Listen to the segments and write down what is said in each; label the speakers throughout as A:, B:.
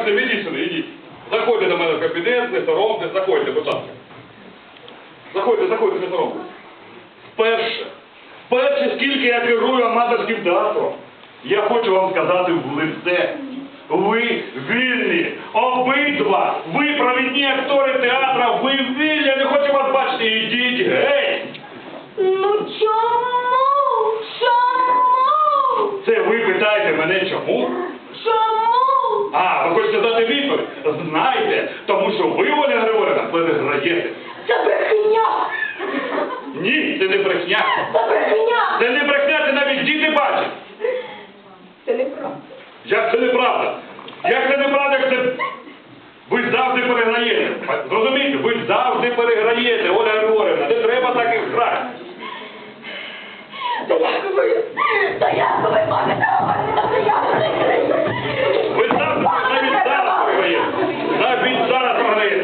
A: Максим, ідіть сюди, ідіть. Заходьте до мене в кабінет, не соромтесь, заходьте, будь ласка. Заходьте, не соромтесь. Вперше, скільки я керую аматорським театром, я хочу вам сказати в лице. Ви вільні, обидва, ви провідні актори театра, ви вільні, я не хочу вас бачити, ідіть геть.
B: Ну чому? Чому?
A: Це ви питаєте мене чому?
B: Чому?
A: А, ви хочете дати відповідь? Знайте, тому що ви, Оля Григорівна, переграєте.
B: Це брехня!
A: Ні, це не брехня.
B: Це брехня!
A: Це не брехня, це навіть діти бачать.
B: Це неправда.
A: Як це неправда? Як це неправда, як це... Ви завжди переграєте. Зрозумієте, ви завжди переграєте, Оля Григорівна. Не треба так і грати.
B: Та як ви можете говорити, що я переграю?
A: Ви завжди навіть зараз програєте. Навіть зараз програєте.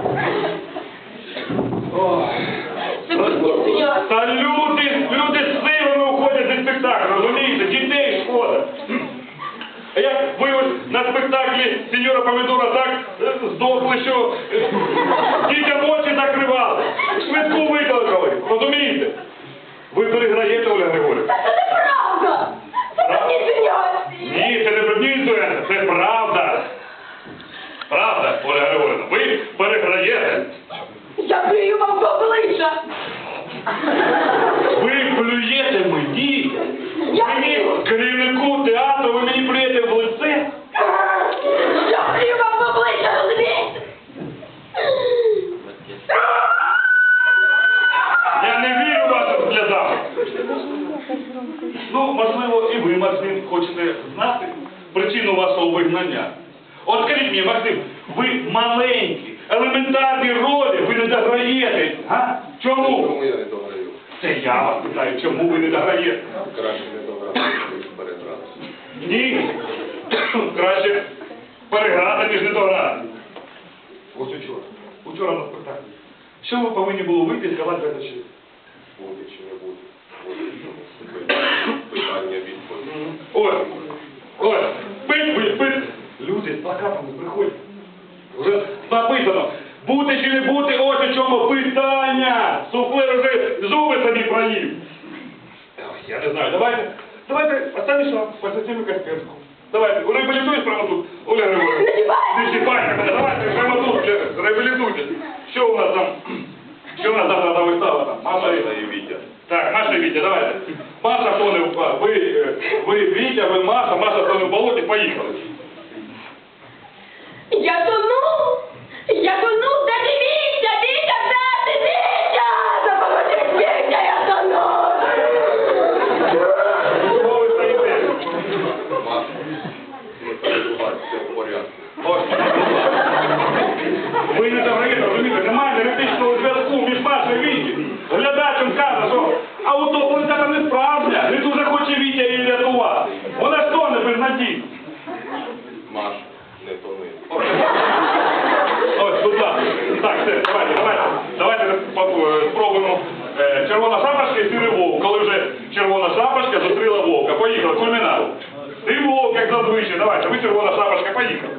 A: Та люди з силами уходять зі спектаклю, розумієте? Дітей шкода. А як ви ось на спектаклі сеньора Помідора так здохли, що дітям очі закривали, швидку викликали, розумієте? Ви переграєте, Оля Григорівна.
B: Це неправда! Це брехня!
A: Ні, це не брехня, це правда. Правда, Оля Григорівна, ви переграєте.
B: Я плюю вам в обличчя!
A: Ви плюєте мені.
B: Я
A: Мені, керівнику театру, ви мені плюєте в лице.
B: Я плюю вам в обличчя, розумієте?
A: Я не вірю вашим сльозам. Ну, можливо, і ви, Максим, хочете знати причину вашого вигнання. От скажіть мені, Максим, ви маленькі, елементарні ролі, ви не дограєте. А? Чому?
C: Чому я не дограю?
A: Це я вас питаю, чому ви не дограєте?
C: Краще не дограти, ніж переграти.
A: Ні. Краще переграти, ніж не дограти. Ось учора на спектаклі. Що ви повинні було вийти і сказати глядачі?
C: Буде чи не буде? Питання відповідь.
A: Ой, пить. Люди з плакатами приходять. Вже написано, бути чи не бути, ось у чому питання. Суфлер вже зуби собі проїв. Ой, я не знаю, давайте, останній шанс, посвятимо Касперську. Давайте, реабілітуйтесь прямо тут, Оля Григорівна. Не чіпайте мене, давайте прямо тут, реабілітуйтесь. Що у нас там завтра за вистава там? Маша і Вітя. Так, Маша і Вітя, давайте. Маша тоне в ви Вітя, ви Маша тоне в болоті, поїхали.
B: Я тону, де ти Вітя, де ти Вітя? Допоможіть, Вітя, я тону.
A: Чого ви стоїте?
C: Маша, не переживай, все в порядку.
A: Ви не дограєте, розумієте, немає енергетичного зв'язку між Машою і Вітєю. Глядачем каже, що автоплита не справжня, не дуже хоче Вітя її рятувати. Вона ж тоне безнадійно.
C: Маша, не тони.
A: Ось, будь ласка. Так, все, давайте спробуємо червона шапочка і сірий вовк. Коли вже червона шапочка зустріла вовка. Поїхали, кульмінат. Ти вовк, як зазвичай, давайте, ви червона шапочка, поїхали.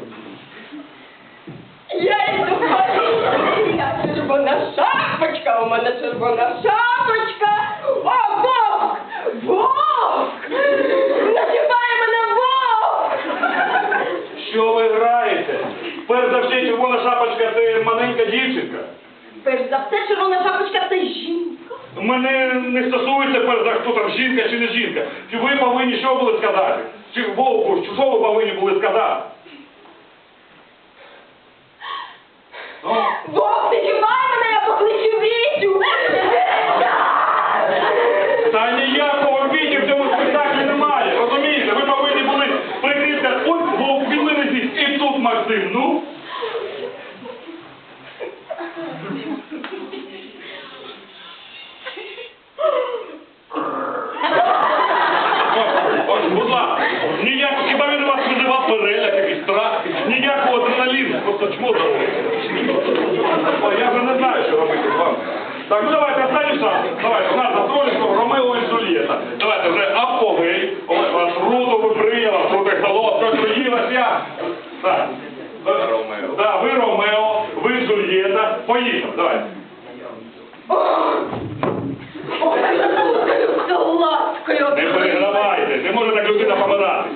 B: Я йду поліцію, я червона шапочка, у мене червона шапочка. О, вовк! Вовк! Називає мене вовк!
A: Що ви граєте? Перш за все, червона шапочка – це маленька дівчинка.
B: Перш за все, червона шапочка – це жінка.
A: Мене не стосується перш за хто там жінка чи не жінка. Чи ви повинні що були сказати? Чи вовку, що ви повинні були сказати?
B: Вовк, не чіпай мене, я покличу Вітю!
A: Та ніякого Віті в цьому спектаклі немає, розумієте? Ви повинні були прикрити, ось вовк, він мене здесь, і тут Максим, ну? Ось, будь ласка, хіба він вас визивав переляк, якийсь страх, ніякого адреналіну, просто чмодало. Я вже не знаю, що робити з вами. Так, ну давайте, останній шанс. Давайте, у нас застройство Ромео і Джульєта. Давайте вже апогей. Ось вас руду ви прийняла, крутий холод, що приїлась я. Так.
C: Я Ромео.
A: Да, ви Ромео, ви Джульєта. Поїхали, давай.
B: Ой, я буду ласкою.
A: Не перегравайте, не може так людина помирати.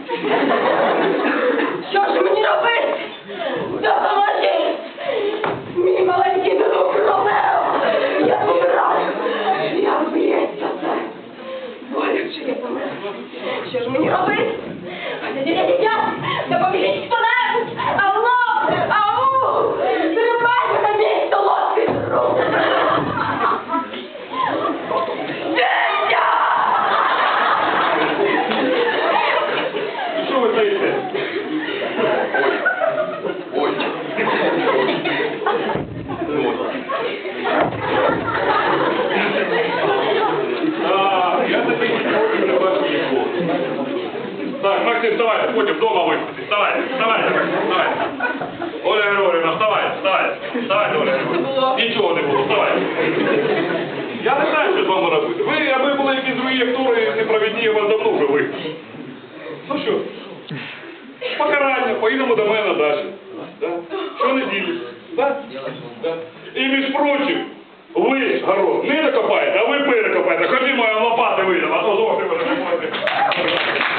B: Що ж мені робити? Допоможіть! Мій маленький друг Ромео! Я помираю! Я вб'ється це! Боляче я помираю! Що ж мені робити? Дитя! Допоможіть хто-небудь! Алло! Ау! Тримайте на мій солодкий друг! Дитя!
A: Що ви стоїте?
C: Ой.
A: Я тебе не бачу нікого. Так, Максим, вставай, потім вдома виспитись. Вставай, вставай, вставай. Оля Григорівна, вставай, вставай. Вставай, Оля Григорівна. Нічого не було, вставай. Я не знаю, що з вами робити. Ви, аби були якісь другі актори непровідні, я вас давно вже випустив. Ну що, покарання, поїдемо до мене далі. Да? Щонеділі. Да? Да. І між прочим, ви, город, не докопаєте, а ви перекопаєте. Ходімо, я лопати видам, а то зовсім ви не можете.